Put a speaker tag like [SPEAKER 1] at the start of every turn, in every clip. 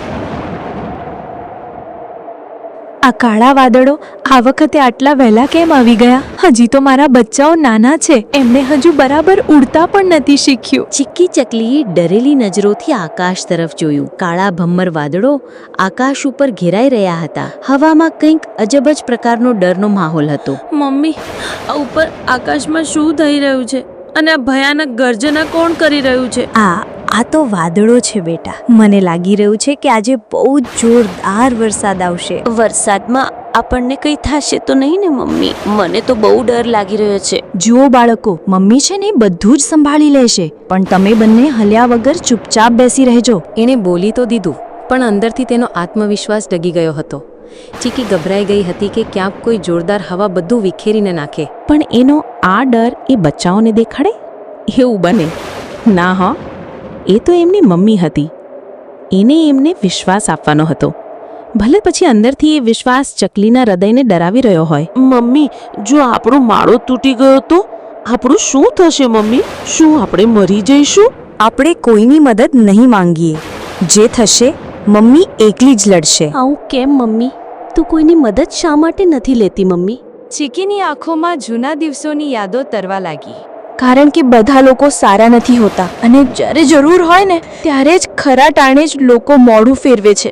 [SPEAKER 1] આ કાળા વાદળો આ વખતે આટલા વહેલા કેમ આવી ગયા? હજી તો મારા બચ્ચાઓ નાના છે, એમણે હજુ બરાબર ઉડતા પણ નથી શીખ્યું.
[SPEAKER 2] ચીક્કી ચકલીએ ડરેલી નજરોથી આકાશ તરફ જોયું. કાળા ભમ્મર વાદળો આકાશ ઉપર ઘેરાઈ રહ્યા હતા. હવામાં કંઈક અજબ જ પ્રકારનો ડરનો માહોલ હતો.
[SPEAKER 3] મમ્મી, આ ઉપર આકાશમાં શું થઈ રહ્યું છે અને આ ભયાનક ગર્જના કોણ કરી રહ્યું છે?
[SPEAKER 1] આ તો વાદળો છે બેટા. મને લાગી રહ્યું છે કે આજે બહુ જ જોરદાર વરસાદ આવશે.
[SPEAKER 2] વરસાદમાં આપણને કંઈ થશે તો નહીં ને મમ્મી? મને તો બહુ ડર લાગી રહ્યો છે.
[SPEAKER 1] જુઓ બાળકો, મમ્મી છે ને બધું જ સંભાળી લેશે, પણ તમે બંને હલ્યા વગર ચૂપચાપ બેસી રહેજો.
[SPEAKER 4] એણે બોલી તો દીધું, પણ અંદરથી તેનો આત્મવિશ્વાસ ડગી ગયો હતો. ચીકી ગભરાઈ ગઈ હતી કે ક્યાંક કોઈ જોરદાર હવા બધું વિખેરીને નાખે.
[SPEAKER 5] પણ એનો આ ડર એ બચ્ચાઓને દેખાડે એવું બને ના. હા, એ તો એમની મમ્મી હતી. એને એમને વિશ્વાસ આપવાનો હતો. ભલે પછી અંદરથી એ વિશ્વાસ ચકલીના હૃદયને ડરાવી રહ્યો હોય.
[SPEAKER 6] મમ્મી, જો આપણો માળો તૂટી ગયો તો આપણું શું થશે મમ્મી? શું આપણે મરી જઈશું?
[SPEAKER 1] આપણે કોઈની મદદ નહીં માંગીએ. જે થશે મમ્મી એકલી જ લડશે.
[SPEAKER 2] આવું કેમ મમ્મી? તું કોઈની મદદ શા માટે નથી લેતી મમ્મી?
[SPEAKER 1] ચીકીની આંખોમાં જૂના દિવસોની યાદો તરવા લાગી. કારણ કે બધા લોકો સારા નથી હોતા, અને જ્યારે જરૂર હોય ને ત્યારે જ ખરા ટાણે જ લોકો મોઢું ફેરવે છે.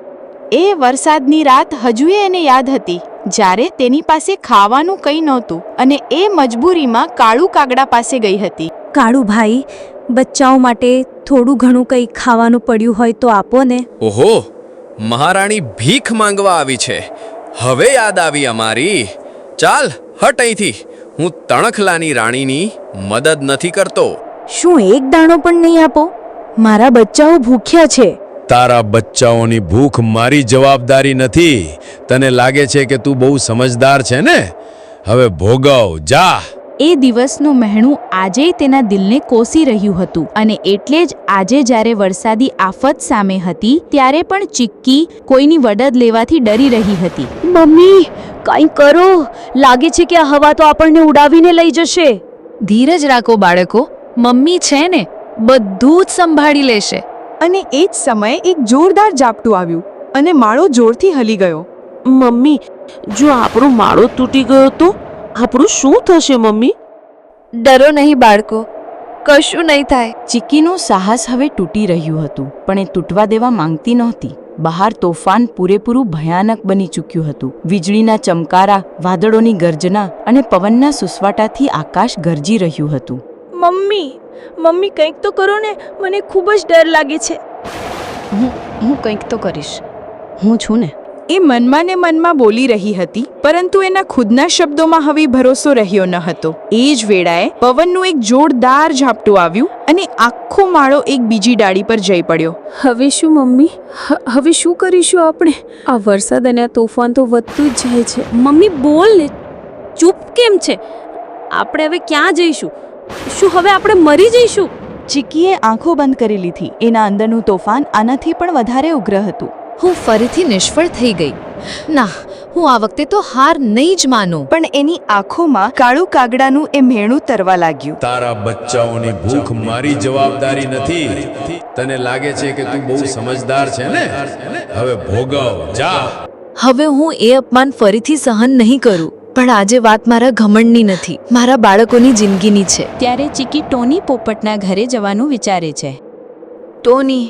[SPEAKER 1] એ વરસાદની રાત હજુ એને યાદ હતી, જ્યારે તેની પાસે ખાવાનું કંઈ નહોતું અને એ મજબૂરીમાં કાળુ કાગડા પાસે ગઈ હતી. કાળુ ભાઈ, બચ્ચાઓ માટે થોડું ઘણું કંઈ ખાવાનું પડ્યું હોય તો આપો ને.
[SPEAKER 7] ઓહો, મહારાણી ભીખ માંગવા આવી છે. હવે યાદ આવી અમારી. ચાલ હટ અહીંથી. હું તણખલાની રાણીની મદદ નથી કરતો.
[SPEAKER 1] શું એક દાણો પણ નહીં આપો? મારા બચ્ચાઓ ભૂખ્યા છે.
[SPEAKER 8] તારા બચ્ચાઓની ભૂખ મારી જવાબદારી નથી. તને લાગે છે કે તું બહુ સમજદાર છે ને? હવે ભોગવ, જા.
[SPEAKER 5] એ દિવસનું મહેણું આજેય તેના દિલને કોસી રહ્યું હતું, અને એટલે જ આજે જ્યારે વરસાદી આફત સામે હતી ત્યારે પણ ચીક્કી કોઈની મદદ લેવાથી ડરી રહી હતી.
[SPEAKER 2] મમ્મી, કંઈ કરો. લાગે છે કે આ હવા તો આપણને ઉડાવીને લઈ જશે.
[SPEAKER 4] ધીરજ રાખો બાળકો, મમ્મી છે ને, બધું જ સંભાળી લેશે.
[SPEAKER 9] અને એ જ સમયે એક જોરદાર ઝાપટું આવ્યું અને માળો જોરથી હલી ગયો.
[SPEAKER 6] મમ્મી, જો આપણો માળો તૂટી ગયો તો આપણું શું થશે મમ્મી?
[SPEAKER 1] ડરો નહીં બાળકો, કશું નહીં થાય.
[SPEAKER 5] ચીક્કીનું સાહસ હવે તૂટી રહ્યું હતું, પણ એ તૂટવા દેવા માંગતી નહોતી. બહાર તોફાન પૂરેપૂરું ભયાનક બની ચૂક્યું હતું. વીજળીના ચમકારા, વાદળોની ગર્જના અને પવનના સુસવાટાથી આકાશ ગરજી રહ્યું હતું.
[SPEAKER 3] મમ્મી કંઈક તો કરો ને, મને ખૂબ જ ડર લાગે છે.
[SPEAKER 5] હું કંઈક તો કરીશ, હું છું ને.
[SPEAKER 9] એ મનમાં ને મનમાં બોલી રહી હતી, પરંતુ એના ખુદના શબ્દોમાં હવે ભરોસો રહ્યો ન હતો. એ જ વેળાએ પવનનું એક જોરદાર ઝાપટું આવ્યું અને આખો માળો એક બીજી ડાળી પર જઈ પડ્યો.
[SPEAKER 3] હવે શું મમ્મી? હવે શું કરીશું આપણે? આ વરસાદ અને આ તોફાન તો વધતું જ જાય છે. મમ્મી બોલ ને, ચૂપ કેમ છે? આપણે હવે ક્યાં જઈશું? શું હવે આપણે મરી જઈશું?
[SPEAKER 9] ચીકીએ આંખો બંધ કરી લીધી. એના અંદરનું તોફાન આનાથી પણ વધારે ઉગ્ર હતું.
[SPEAKER 4] હું ફરીથી નિષ્ફળ થઈ ગઈ. ના, હું આ વખતે તો હાર નહીં જ માનું.
[SPEAKER 9] પણ એની આંખોમાં કાળુ કાગડાનું એ મેણું તરવા લાગ્યું.
[SPEAKER 8] તારા બચ્ચાઓની ભૂખ મારી જવાબદારી નથી. તને લાગે છે કે તું બહુ સમજદાર છે ને? હવે ભોગવ, જા.
[SPEAKER 4] હવે હું એ અપમાન ફરીથી સહન નહીં કરું. પણ આજે વાત મારા ઘમંડની નથી, મારા બાળકોની જિંદગીની છે.
[SPEAKER 5] ત્યારે ચીક્કી ટોની પોપટના ઘરે જવાનું વિચારે છે.
[SPEAKER 4] ટોની,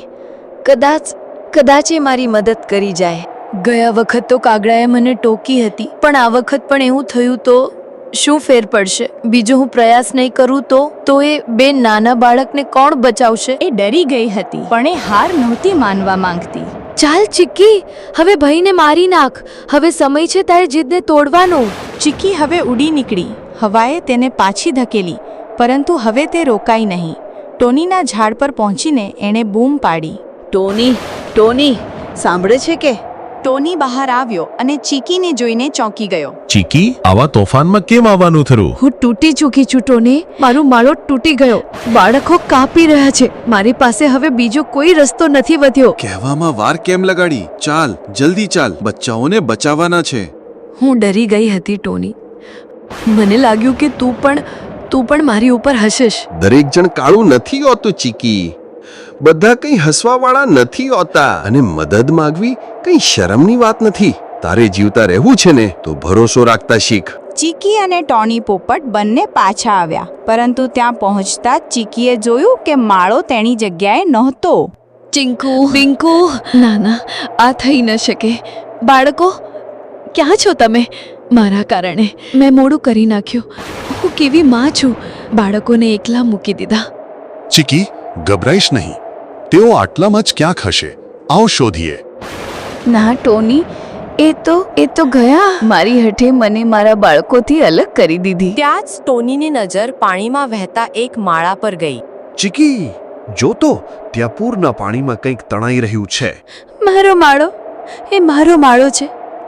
[SPEAKER 4] કદાચ એ મારી મદદ કરી જાય. ગયા વખત તો કાગડાએ મને ટોકી હતી, પણ આ વખત પણ એવું થયું તો શું ફેર પડશે? બીજો હું પ્રયાસ નહીં કરું તો એ બે નાના બાળકને કોણ બચાવશે?
[SPEAKER 5] એ ડરી ગઈ હતી, પણ એ હાર નહોતી માનવા માંગતી.
[SPEAKER 4] ચાલ ચીક્કી, હવે ભાઈને મારી નાખ. હવે સમય છે તારી જીદને તોડવાનો.
[SPEAKER 9] ચીકી હવે ઉડી નીકળી. હવાએ તેને પાછી ધકેલી, પરંતુ હવે તે રોકાઈ નહીં. ટોનીના ઝાડ પર પહોંચીને એણે બૂમ પાડી.
[SPEAKER 2] ટોની, સાંભળે છે કે?
[SPEAKER 9] ટોની બહાર આવ્યો અને ચીકીને જોઈને ચોંકી ગયો.
[SPEAKER 8] ચીકી, આવા તોફાનમાં કેમ આવવાનું થયું?
[SPEAKER 4] હું તૂટી ચૂકી છું ટોની. મારું માળો તૂટી ગયો. બાળકો કાપી રહ્યા છે. મારી પાસે હવે બીજો કોઈ રસ્તો નથી વધ્યો.
[SPEAKER 10] કહેવામાં વાર કેમ લગાડી? ચાલ, જલ્દી ચાલ, બચ્ચાઓને બચાવવાના છે.
[SPEAKER 4] હું ડરી ગઈ હતી ટોની. મને લાગ્યું કે તું પણ મારી ઉપર હસીશ.
[SPEAKER 10] દરેક જણ કાળું નથી હોતું ચીકી. બધા કંઈ હસવાવાળા નથી હોતા અને મદદ માંગવી કંઈ શરમની વાત નથી. તારે જીવતા રહેવું છે ને તો ભરોસો રાખતા શીખ.
[SPEAKER 9] ચીકી અને ટોની પોપટ બંને પાછા આવ્યા, પરંતુ ત્યાં પહોંચતા જ ચીકીએ જોયું કે માળો તેની જગ્યાએ નહોતો.
[SPEAKER 4] ચિંકુ પિંકુ, ના ના, આ થઈ ન શકે. બાળકો, ક્યાં છો તમે? મારા કારણે મેં મોડું કરી નાખ્યું. હું કેવી માં છું, બાળકોને એકલા મૂકી દીધા.
[SPEAKER 11] ચીકી, ગભરાઈશ નહીં. તેઓ આટલામાં જ ક્યાંક હશે. આવો શોધીએ.
[SPEAKER 9] ના ટોની, એ તો ગયા. મારી હઠે મને મારા બાળકોથી અલગ કરી દીધી.
[SPEAKER 2] ત્યાં જ ટોનીની નજર પાણીમાં વહેતા એક માળા પર ગઈ.
[SPEAKER 11] ચીકી, જોતો ત્યાં પૂરના પાણીમાં કંઈક તણાઈ રહ્યું છે.
[SPEAKER 4] મારો માળો, એ મારો માળો છે.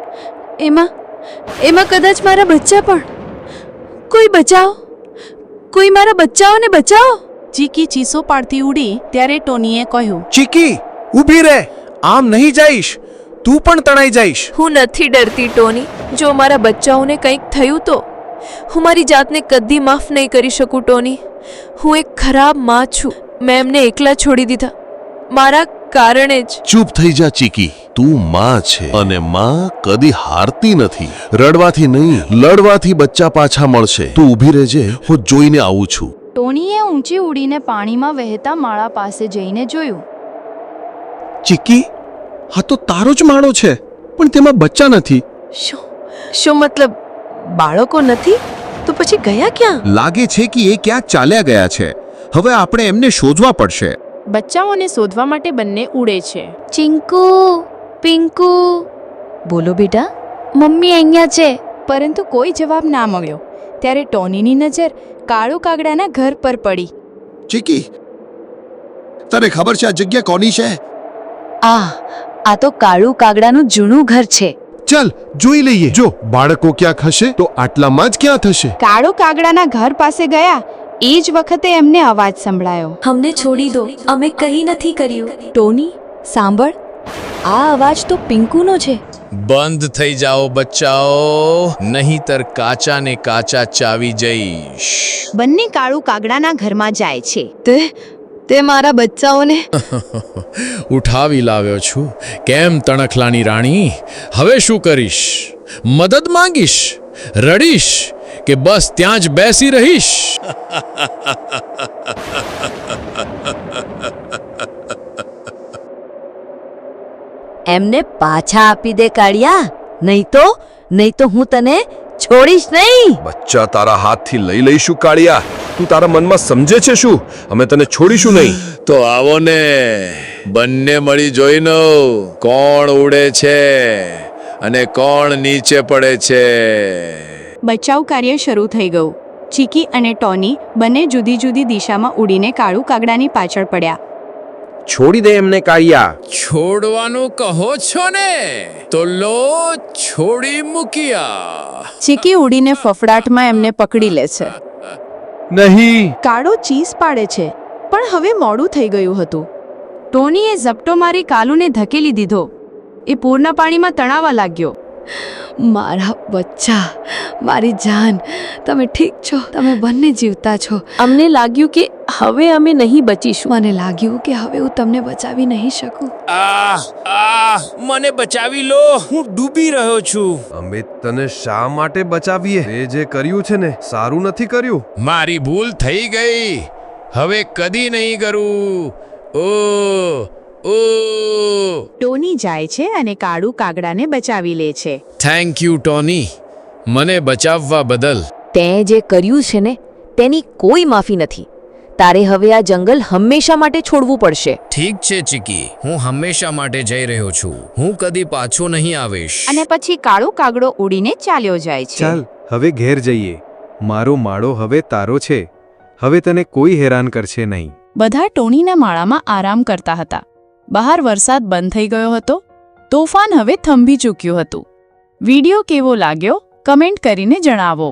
[SPEAKER 4] એમાં કદાચ મારા બચ્ચા પણ. કોઈ બચાવો, કોઈ મારા બચ્ચાઓને બચાવો.
[SPEAKER 5] ચીકી ચીસો પાડતી ઉડી ત્યારે ટોનીએ કહ્યું,
[SPEAKER 12] ચીકી, ઊભી રહે. આમ નહીં જઈશ, તું પણ તણાઈ જઈશ.
[SPEAKER 4] હું નથી ડરતી ટોની. જો મારા બચ્ચાઓને કંઈક થયું તો હું મારી જાતને કદી માફ નહીં કરી શકું ટોની. હું એક ખરાબ માં છું. મેં એમને એકલા છોડી દીધા મારા કારણે જ.
[SPEAKER 11] ચૂપ થઈ જા ચીકી. તું માં છે અને માં કદી હારતી નથી. રડવાથી નહીં, લડવાથી બચ્ચા પાછા મળશે. તું ઊભી રહેજે, હું જોઈને આવું છું.
[SPEAKER 1] ટોનીએ ઊંચી ઉડીને પાણીમાં વહેતા માળા પાસે જઈને જોયું.
[SPEAKER 12] ચીકી, હા તો તારો જ માળો છે, પણ તેમાં બચ્ચા નથી.
[SPEAKER 4] શું મતલબ? બાળકો નથી તો પછી ગયા ક્યાં?
[SPEAKER 12] લાગે છે કે એ ક્યાંક ચાલ્યા ગયા છે. હવે આપણે એમને શોધવા પડશે.
[SPEAKER 5] બચ્ચાઓને શોધવા માટે બંને ઉડે છે.
[SPEAKER 1] ચિંકુ, પિંકુ,
[SPEAKER 4] બોલો બેટા.
[SPEAKER 1] મમ્મી અહીંયા છે. પરંતુ કોઈ જવાબ ના મળ્યો. ત્યારે ટોનીની નજર કાળુ કાગડાના ઘર પર પડી.
[SPEAKER 11] ચીકી, તને ખબર છે આ જગ્યા કોની છે?
[SPEAKER 4] આ તો કાળુ કાગડાનું જૂનું ઘર છે.
[SPEAKER 11] ચાલ જોઈ લઈએ. જો બાળકો ક્યાંક હશે તો આટલામાં જ ક્યાં થશે.
[SPEAKER 9] કાળુ કાગડાના ઘર પાસે ગયા એ જ વખતે એમને અવાજ સંભળાયો.
[SPEAKER 4] અમને છોડી દો, અમે કંઈ નથી કર્યું.
[SPEAKER 1] ટોની, સાંભળ, આ અવાજ તો પિંકુનો છે.
[SPEAKER 8] બંધ થઈ જાઓ બચ્ચાઓ, નહીંતર કાચા ને કાચા ચાવી જઈશ.
[SPEAKER 9] બંને કાળુ કાગડાના ઘરમાં જાય છે.
[SPEAKER 4] તે મારા બચ્ચાઓને
[SPEAKER 8] ઉઠાવી લાવ્યો છું. કેમ તણખલાની રાણી, હવે શું કરીશ? મદદ માંગીશ, રડીશ કે બસ ત્યાં જ બેસી રહીશ?
[SPEAKER 2] એમને પાછા આપી દે કાળિયા, નહીં તો હું તને છોડીશ નહીં.
[SPEAKER 10] બચ્ચા તારા હાથથી લઈ લઈશું કાળિયા. તું તારા મનમાં સમજે છે શું? અમે તને છોડીશું નહીં.
[SPEAKER 8] તો આવો ને, બંને મળી જોઈનો કોણ ઉડે છે અને કોણ નીચે પડે છે.
[SPEAKER 9] બચાવ કાર્ય શરૂ થઈ ગયું. ચીકી અને ટોની બંને જુદી જુદી દિશામાં ઉડીને કાળુ કાગડાની પાછળ પડ્યા.
[SPEAKER 12] છોડી દે એમને કાળિયા.
[SPEAKER 8] છોડવાનું કહો છો ને, તો લો છોડી મૂક્યા.
[SPEAKER 9] ચીકી ઉડીને ફફડાટમાં એમને પકડી લે છે.
[SPEAKER 12] નહીં.
[SPEAKER 9] કાળો ચીસ પાડે છે, પણ હવે મોડું થઈ ગયું હતું. ટોનીએ ઝપટો મારી કાલુને ધકેલી દીધો. એ પૂરના પાણીમાં તણાવા લાગ્યો.
[SPEAKER 4] મારા બચ્ચા, મારી જાન, તમે ઠીક છો? તમે બંને જીવતા છો. અમને લાગ્યું કે હવે અમે નહીં બચીશું. મને લાગ્યું કે હવે હું તમને બચાવી નહીં શકું.
[SPEAKER 7] મને બચાવી લો, હું ડૂબી રહ્યો છું.
[SPEAKER 10] અમે તને શા માટે બચાવીએ? એ જે કર્યું છે ને સારું નથી કર્યું.
[SPEAKER 8] મારી ભૂલ થઈ ગઈ, હવે કદી નહીં કરું.
[SPEAKER 9] ટોની જાય છે અને કાળુ કાગડાને બચાવી લે છે.
[SPEAKER 8] થેન્ક યુ ટોની, મને બચાવવા બદલ.
[SPEAKER 2] તે જે કર્યું છે ને તેની કોઈ માફી નથી. તારે હવે આ જંગલ હંમેશા માટે છોડવું પડશે.
[SPEAKER 7] ઠીક છે ચીકી, હું હંમેશા માટે જઈ રહ્યો છું. હું કદી પાછો નહીં આવીશ.
[SPEAKER 9] અને પછી કાળુ કાગડો ઉડીને ચાલ્યો જાય છે.
[SPEAKER 12] ચાલ હવે ઘેર જઈએ. મારો માળો હવે તારો છે. હવે તને કોઈ હેરાન કરશે નહીં.
[SPEAKER 9] બધા ટોનીના માળામાં આરામ કરતા હતા. બહાર વરસાદ બંધ થઈ ગયો હતો. તોફાન હવે થંભી ચૂક્યું હતું. વિડીયો કેવો લાગ્યો કમેન્ટ કરીને જણાવો.